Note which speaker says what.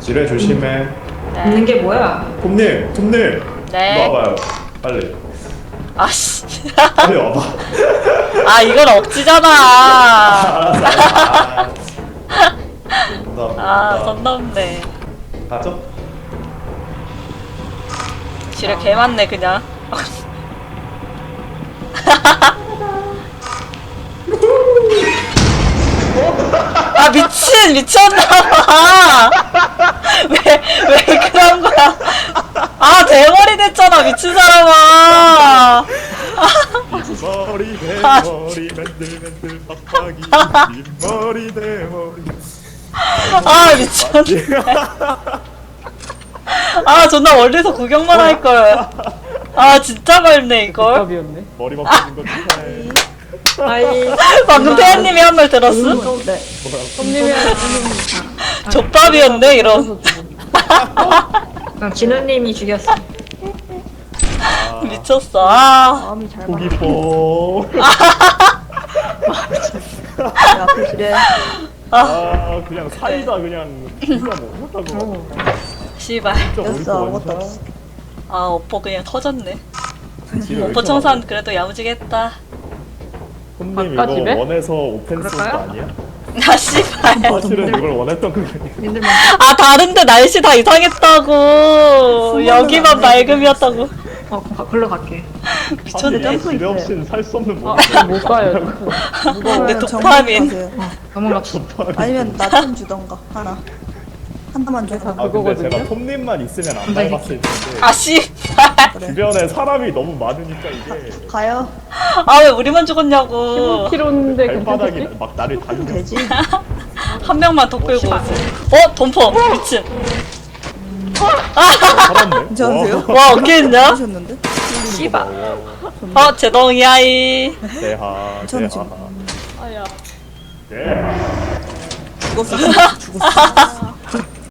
Speaker 1: 지뢰 조심해.
Speaker 2: 있는 게 뭐야?
Speaker 1: 톱님, 톱님.
Speaker 3: 네.
Speaker 1: 이리 와봐요. 빨리.
Speaker 3: 아씨.
Speaker 1: 빨리 와봐.
Speaker 3: 아 이건 억지잖아. 아, 선 넘네.
Speaker 1: 가죠?
Speaker 3: 지뢰 개 많네 그냥. 아 미친 미쳤나봐. 왜 그런 거야? 아 대머리 됐잖아 미친 사람아.
Speaker 1: 머리 대머리 맨들맨들 빡빡이 뒷머리 대머리.
Speaker 3: 아 미쳤네. 아 존나 멀리서 구경만 할 걸. 아 진짜 밝네 이걸.
Speaker 4: 답이었네.
Speaker 1: 머리 바꾸는 거 축하해.
Speaker 2: 아이.
Speaker 3: 방금 태연님이 한 말 들었음?
Speaker 4: 네. 손님이
Speaker 3: 족밥이었네 이런.
Speaker 2: 진우님이 죽였어.
Speaker 3: 미쳤어. 아
Speaker 4: 마음이 잘
Speaker 1: 고기 뽀.
Speaker 4: 앞에 지뢰.
Speaker 1: 아 그냥 사이다 그냥 누가 뭐 못하고.
Speaker 3: 씨발.
Speaker 1: 진짜 아무것도 없어.
Speaker 3: 아 오퍼 그냥 터졌네. 오퍼 청산 그래도 야무지겠다.
Speaker 1: 손님 이거
Speaker 4: 바깥집에?
Speaker 1: 원해서 오펜스 거
Speaker 2: 그럴까요?
Speaker 1: 아니야?
Speaker 3: 아 씨발.
Speaker 1: 사실은 이걸 원했던 거 아니야?
Speaker 2: 님들만.
Speaker 3: 아 다른데 날씨 다 이상했다고. 여기만 맑음이었다고.
Speaker 2: 글로 갈게.
Speaker 3: 미쳤네.
Speaker 1: 지뢰 없이는 살 수 없는 뭐.
Speaker 4: 못 가요.
Speaker 3: 근데 도파민.
Speaker 2: 넘어갔어.
Speaker 5: 아니면 나 좀 주던가 하나 하나만 줘서
Speaker 1: 아 근데
Speaker 4: 그거거든요?
Speaker 1: 제가 톱님만 있으면 안 밟았을 텐데
Speaker 3: 아 씨발.
Speaker 1: 주변에 사람이 너무 많으니까 이게
Speaker 5: 가요.
Speaker 3: 아 왜 우리만 죽었냐고.
Speaker 4: 15km인데
Speaker 1: 발바닥이
Speaker 4: 괜찮겠지?
Speaker 1: 막 나를 당겨.
Speaker 5: 되지.
Speaker 3: 한 명만 더 끌고 오지. 어 덤퍼 미친.
Speaker 1: 살았네.
Speaker 5: 괜찮으세요?
Speaker 3: 와 어깨했냐?
Speaker 5: 하셨는데?
Speaker 3: 씨발. 어 제동이야이.
Speaker 1: 대하
Speaker 5: 저는
Speaker 1: 대하
Speaker 4: 아야.
Speaker 1: 대하.
Speaker 5: 죽었어. 죽었어.